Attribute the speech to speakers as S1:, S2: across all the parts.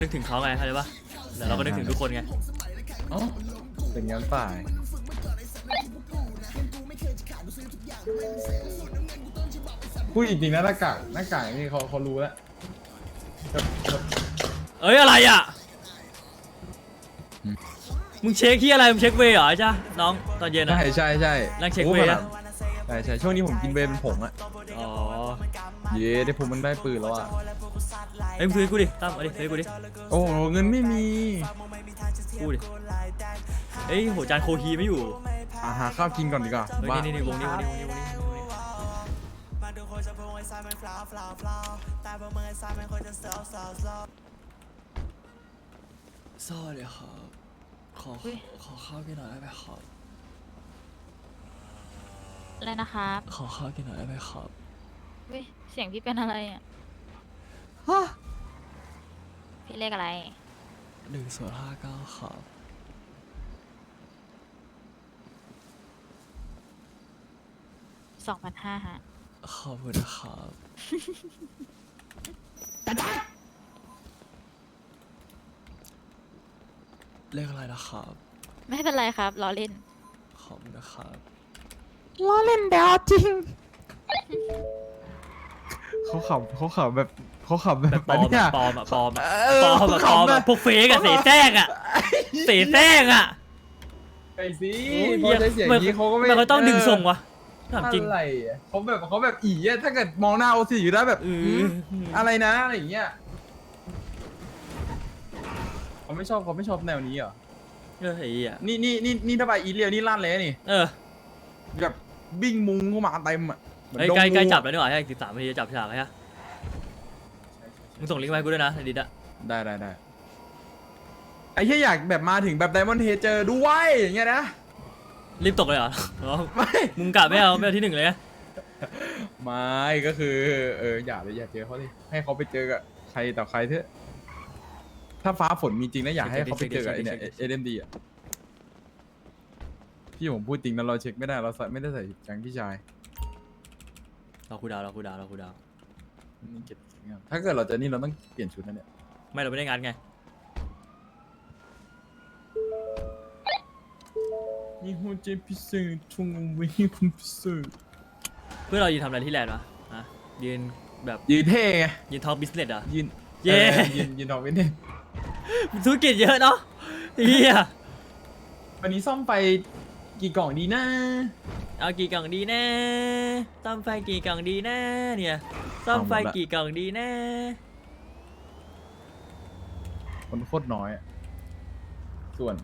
S1: นึกถึงเขาไงเข้าใจปะแต่เราก็นึกถึงทุกคนไง
S2: อ๋อเป็นงั้นป่ายพูดจริงๆนะหน้ากากนี่เขารู้แล้ว
S1: เอ้ยอะไรอ่ะมึงเช็คที่อะไรมึงเช็คเวย์เหรอใช่น้องตอนเย็นอ่ะ
S2: ใช่
S1: นั่งเช็คเวย์อะ
S2: ใช่ช่วงนี้ผมกินเวย์เป็นผงอะ
S1: อ๋อ
S2: เย้ได้ผมมันได้ปืนแล้วอะ
S1: เฮ้ยมึงซื้อกูดิตั้มเอาดิซื้อกูดิ
S2: โอ้โหเงินไม่มี
S1: กูดิเฮ้ยโหจานโคฮีไม่อยู่
S2: หาข้าวกินก่อนดีกว่า
S1: เฮ้ย
S2: บ้า
S1: นี่วงนี้สวัสดีครับขอข้าวกินหน่อยได้ไหมครับ
S3: อะไรนะครับ
S1: ขอข้าวกินหน่อยได้ไหมครับ
S3: เว้ยเสียงพี่เป็นอะไรอ่ะพี่เลขอะไร
S1: 1059ครับ
S3: 2,500ฮะ
S1: ขอบคุณนะครับเลขอะไรนะครับ
S3: ไม่เป็นไรครับล้อเล่น
S1: ขอบคุณนะครับ
S2: ล้อเล่นเดี๋ยวจริงเขาขับแบบ
S1: แบบปลอม
S2: เนี่ย
S1: ปลอมอะปลอมอะ
S2: เ
S1: ปลอมอะปลอมอะพวกเฟกอะเสียแทรกอะเสียแทรกอะ
S2: ไอ้สิ
S1: โอ้ย
S2: พอใช้เสียงนี้เขาก็ไม่
S1: มันก็ต้องดึงส่งวะถามจริง
S2: อะไรอะเขาแบบอีอะถ้าเกิดมองหน้าโอซีอยู่ได้แบบ อะไรนะอะไรอย่างเงี้ยเขาไม่ชอบแนวนี้เหรอ
S1: ไอ้เหี้ย
S2: นี่ถ้าไปอีเลียวนี่ลั่นเลยนี่
S1: เออ
S2: แบบบิ้งมุงเข้ามาเต็มอ่ะเหมือน
S1: ไอ้
S2: ดง
S1: ใกล้
S2: งู
S1: ใกล้จับแล้วนี่หว่าใช่13 นาทีจะจับฉากใช่ไหมมึงส่งลิงก์มาให้กูด้วยนะในดิสอะ
S2: ได้ไอ้แค่อยากแบบมาถึงแบบไดมอนด์เฮเจอด้วยอย่างเงี้ยนะ
S1: รีบตกเลยเหรออ๋อ
S2: ไม่
S1: มึงกะไม่เอาที่หนึ่งเลยนะ
S2: ไม่ก็คืออย่าเลยอย่าเจอเขาดิให้เขาไปเจอกับใครต่อใครเถอะถ้าฟ้าฝนมีจริงนะอยากให้เขาไปเจอกับไอ้เนี่ยเอ็มดีอ่ะพี่ผมพูดจริงนะเราเช็คไม่ได้เราไม่ได้ใส่แก๊งพี่ชาย
S1: เราคูดาว
S2: นี่เก็บงานถ้าเกิดเราจะนี่เราต้องเปลี่ยนชุดนะเนี่ย
S1: ไม่เราไม่ได้งานไง
S2: นี่โฮเจพิเศษชงเอาไว้ให้คุณพิเศษ
S1: เพื่อเรายืนทำอะไรที่แลนด์วะฮะยืนแบบ
S2: ยืนเท่ไง
S1: ยืนทอล์กบิสเนสอะ
S2: ยืน
S1: เย้
S2: ยืนทองเว้นเนี่ย
S1: ธุรกิจเยอะเนาะเฮีย
S2: วันนี้ซ่อมไปกี่กล่องดีนะ
S1: เอากี่กล่องดีแน่ซ่อมไฟกี่กล่องดีแน่เนี่ยซ่อมไฟกี่กล่องดีแน่
S2: คนโคตรน้อยอะส่วน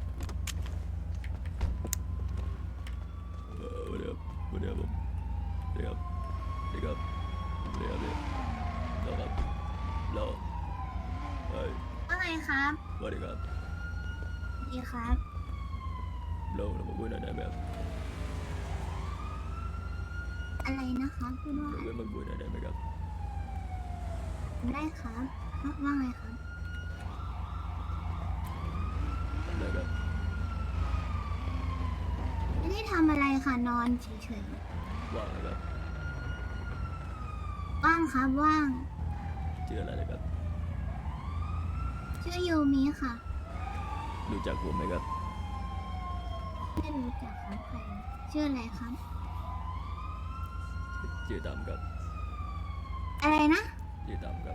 S1: เดี๋ยวผมเดี๋ยวเฮ้ย
S4: ว่าไงครับ
S1: สวัสดีครับ
S4: ดีครับ
S1: เรามาคุยหน่อยได้ไหมครับ
S4: อะไรนะครับพูดว่า
S1: เรามาคุยหน่อยได้ไหมครับ
S4: ได้ครับว่าไงครับ
S1: ได้ครับ
S4: ไม่ได้ทำอะไรค่ะนอนเฉย
S1: ว่างนะครับ
S4: ๆว่างครับว่าง
S1: ชื่ออะไรนะครับ
S4: ชื่อยูมิค่ะ
S1: รู้จักผมไหมครับ
S4: ไม่รู้จักครับใครชื่ออะไรครับ
S1: ชื่อดำครับ
S4: อะไรนะ
S1: ชื่อดำครับ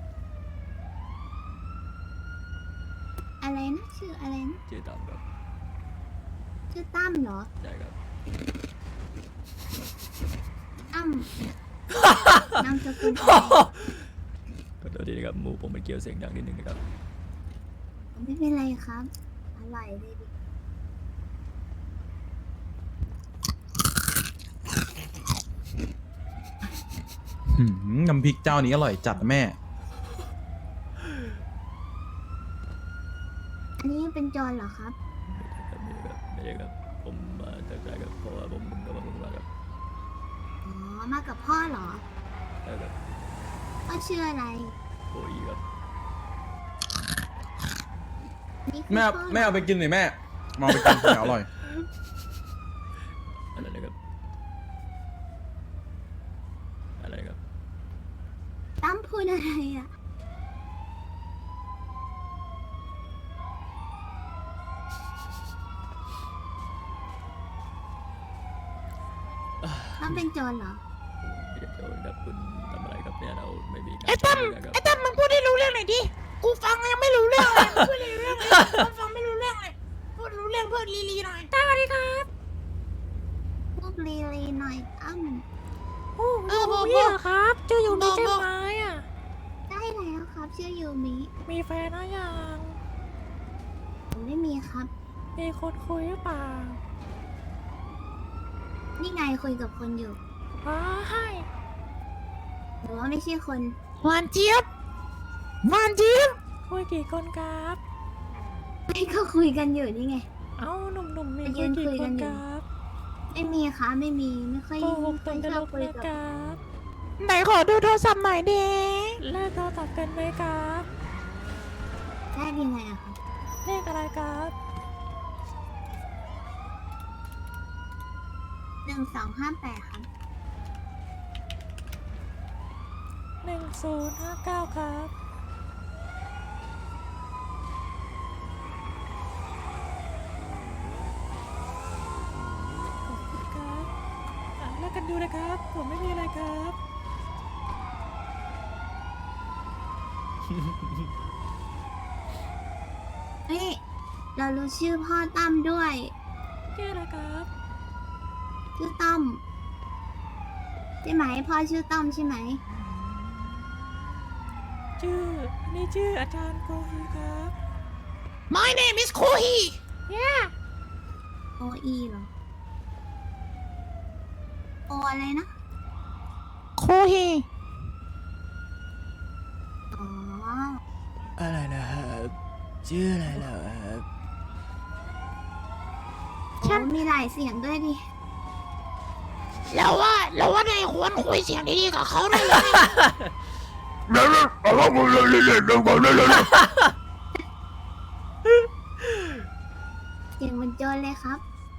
S4: อะไรนะชื่ออะไรนะ
S1: ชื่อดำครับ
S4: ชื่อตั้มเหรอ
S1: ใช่ครับ
S4: ตั้ม นามสกุลอะไร
S1: ขอโทษทีนะครับหมูผมมันเกี่ยวเสียงดังนิดนึงนะครับ
S4: ไม่เป็นไรครับอร่อยเลยดิ
S2: น้ำพริกเจ้านี้อร่อยจัดแม่
S4: อันนี้เป็นโจรเหรอครับ
S1: ไม่ใช่ครับผมมาจากไหนครับเพราะว่าผมกำลังมาครับ
S4: อ๋อมากับพ่อเหรอ
S1: ใช่ครับ
S4: พ่อชื่ออะไร
S1: โอ้ยครับ
S4: นี่คือ
S2: แม่
S4: พ่อเหรอ
S2: แม่เอาไปกินหน่อยแม่มาเอาไปกินเดี๋ยวอร่อย
S1: อะไรนะครับอะไรครับ
S4: ตั้มพูดอะไรอ่ะต้องเป็นโจรเหรอ
S1: เดี๋ยวครับคุณทำอะไรครับเนี่ยเราไม่มีการ
S5: ไอ้ตั้ม
S1: ใช้นะครับ
S5: ไอ้ตั้มมึงพูดให้รู้เรื่องหน่อยดิ กูฟังยังไม่รู้เรื่องเลยมึงพูดให้รู้เรื่องเลยกูฟังไม่รู้เรื่องเลย พูดรู้เรื่องเพื่อนลีหน่อยสวัสดีครับ
S4: พวกลีลีหน่อยตั้ม
S5: บอกพี่เหรอครับชื่ออยู่มีใช่ไหมอ่ะ
S4: ได้แล้วครับชื่อยูมิ
S5: มีแฟนหรือยัง
S4: ผมไม่มีครับ
S5: มีคนคุยหรือเปล่า
S4: นี่ไงคุยกับคนอยู่
S5: อ๋อให้
S4: หรือว่าไม่ใช่คน
S5: หวานเจี๊ยบหวานเจี๊ยบคุยกี่คนครับ
S4: ไม่ก็คุยกันอยู่นี่ไง
S5: เอ้าหนุ่มๆมี
S4: ไปยื
S5: คุย
S4: น
S5: กี่
S4: คุย
S5: ค
S4: กัน
S5: น
S4: อ
S5: ค
S4: ยู่
S5: รับ
S4: ไม่มีค่ะไม่มีไม่ค่อย
S5: โกหก
S4: ไม่
S5: ต
S4: ค่
S5: น
S4: อย
S5: ต
S4: ช
S5: ล
S4: อบ
S5: ก
S4: คุย
S5: นะ
S4: กับ
S5: ครับไหนขอดูโทรศัพท์หน่อยดิแลกโทรศัพท์กันไหมครับ
S4: ได้ยังไงอะครับ
S5: เลขอะไรครับ
S4: 1258ครับ
S5: 1059ครับขอบคุณครับแลกกันดูนะครับ ผมไม่มีอะไรครับ
S4: เฮ้ยเรารู้ชื่อพ่อตั้มด้วย
S5: ชื่ออะไรครับ
S4: ชื่อตั้มใช่ไหมพ่อชื่อตั้มใช่ไหม
S5: อันนี้ชื่ออาจารย์โกฮีครับ My name is Kohi Yeah
S4: โออีเหรอโออะไรนะ
S5: Kohi
S4: อ๋อ
S1: อะไรนะครับชื่ออะไรเหรอครับ
S4: โอ้มีหลายเสียงด้วยดิ
S5: แล้วว่านายควรคุยเสียงดีๆกับเขาได้เลย
S4: เสียงเหมันโจรเลยครับ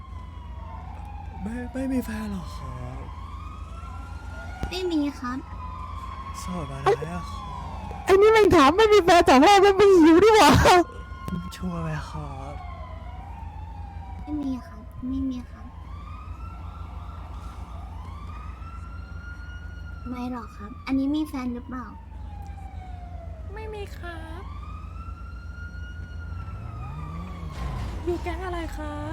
S1: ไม่มีแฟนหรอครับ
S4: ไม่มีครับ
S1: โสดมาแล้วครับ
S5: ไอ้นี่มันถามไม่มีแฟนแต่แรกมันไม่หิวดีกว่า
S1: ชัวร์ไหมครับ
S4: ไม่มีครับ ไม่มีครับไม่หรอกครับ อันนี้มีแฟนหรือเปล่า
S5: ไม่มีครับ อยู่แก๊งอะไรครับ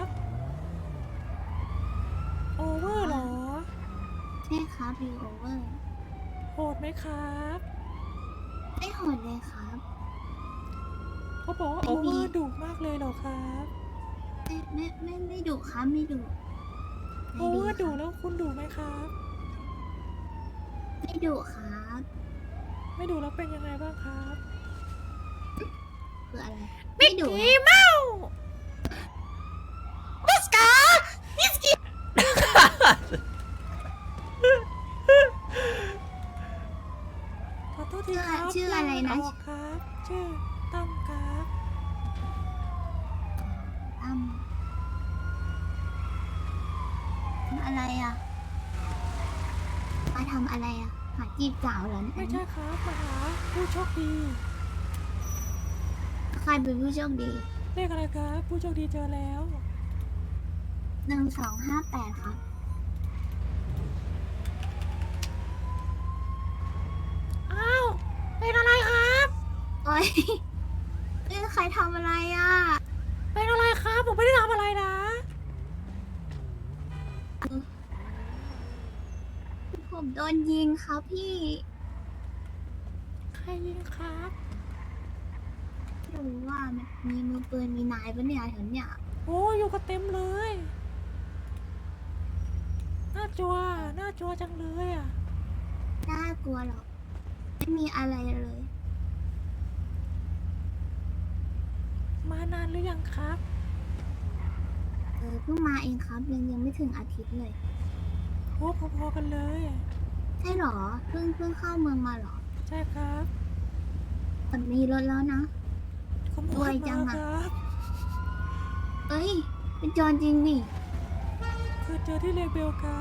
S5: โอเวอร์เหรอ
S4: ใช่ครับรีโอเวอร์
S5: โหดไหมครับ
S4: ไม่โหดเลยครับ
S5: เขาบอกว่า
S4: ไม่
S5: โอ
S4: มี
S5: เวอร์ดุมากเลยเหรอครับ
S4: ไม่ดุครับไม่ดุ
S5: โอเวอร์ดุแล้วคุณดุไหมครับ
S4: ไม่ดุครับ
S5: ไม่ดุแล้วเป็นยังไงบ้างครับ
S4: คืออะไร ไม่ดุ
S5: เมาบัสกาบิสกิ ขอโทษทีครับ
S4: ชื่ออะไรนะ
S5: ออกครับ ชื่อตั้มครับ
S4: ตั้มทำอะไรอ่ะมาทำอะไรอ่ะหาจีบสาวเหรอ
S5: ไม่ใช่ครับมาหาผู้โชคดี
S4: ใครเป็นผู้โชคดี
S5: เลขอะไรครับ ผู้โชคดีเจอแล้ว
S4: 1258ครับ
S5: อ้าวเป็นอะไรครับ
S4: โอ้ยใครทำอะไรอ่ะ
S5: เป็นอะไรครับ ผมไม่ได้ทำอะไรนะ
S4: ผมโดนยิงครับพี่
S5: ใครยิงครับ
S4: ไม่รู้ว่ามันมีมือปืนมีนายปะเนี่ยแถวเนี้ย
S5: โอ้อยู่กันเต็มเลย น่าจัวจังเลยอ่ะ
S4: น่ากลัวหรอกไม่มีอะไรเลย
S5: มานานหรือยังครับ
S4: เพิ่งมาเองครับยังไม่ถึงอาทิตย์เลย
S5: โอ้พอๆกันเลย
S4: ใช่หรอเพิ่งเข้าเมืองมาหรอ
S5: ใช่ครับ
S4: แต่มีรถแล้วนะ
S5: ขโม
S4: รวย
S5: ย
S4: จั
S5: มาง
S4: อะ
S5: ครับ
S4: เอ้ย เป็นโจรจริงนี่
S5: คือเจอที่เลเบลครับ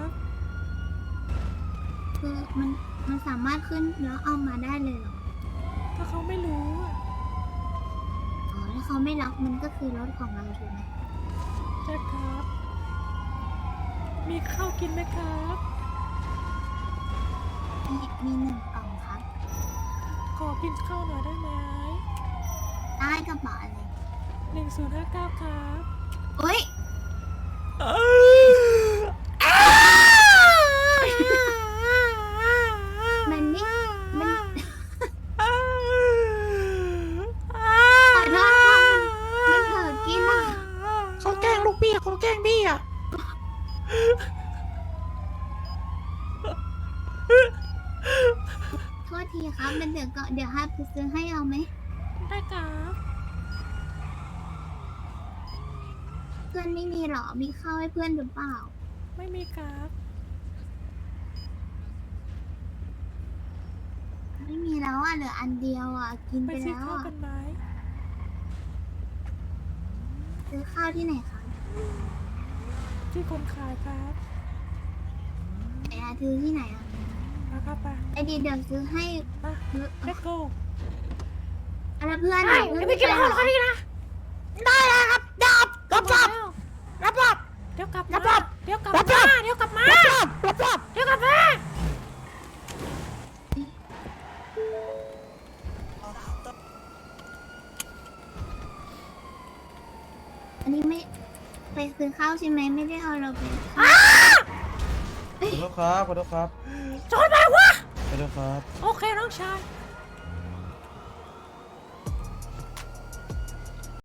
S4: คือมันสามารถขึ้นแล้วเอามาได้เลยเหรอ
S5: ถ้าเขาไม่รู้อะ
S4: อ๋อถ้าเขาไม่ล็อกมันก็คือรถของเราถูกไหม
S5: ใช่ครับ มีข้าวกินไหมครับ
S4: มี1 กล่องครับ
S5: ขอกินข้าวหน่อยได้ไหม
S4: ได้กระเป๋าอะไร
S5: 1059ครับ
S4: โอ๊ยมันไม่มันขอโทษครับมันเผลอกินอ่ะ
S5: เขาแกล้งลูกพี่เขาแกล้งพี่อ่ะ
S4: โทษทีครับมันเดี๋ยวให้ไปซื้อให้เอาไหม
S5: ได้ครับ
S4: เพื่อนไม่มีหรอ มีข้าวให้เพื่อนหรือเปล่า
S5: ไม่มีครับ
S4: ไม่มีแล้วอ่ะเหลืออันเดียวอ่ะ กิน
S5: ไป
S4: ไป
S5: ซื้อ
S4: แล้ว
S5: ข้าว
S4: อ่ะ
S5: กันไหม
S4: ซื้อข้าวที่ไหนคะ
S5: ที่คนขายครับ
S4: ไหนอะซื้อที่ไหนอ่ะ
S5: นะครับไป
S4: ไอดีเดี๋ยวซื้อให้
S5: มา let's go
S4: อะไรเพื่อนอะเพื่อน
S5: ไปกินข้าวเขาดีนะ ได้เลยครับดับรับเดี๋ยวกลับมาเดี๋ยวกลับมาเดี๋ยวกลับมาเดี๋ยวกลับมา
S4: อันนี้ไม่ไปซื้อข้าวใช่ไหมไม่ได้เอาเราไป
S6: ขอโทษครับ ขอโทษครับ
S5: จอดไปวะ
S6: ขอโทษครับ
S5: โอเคน้องชาย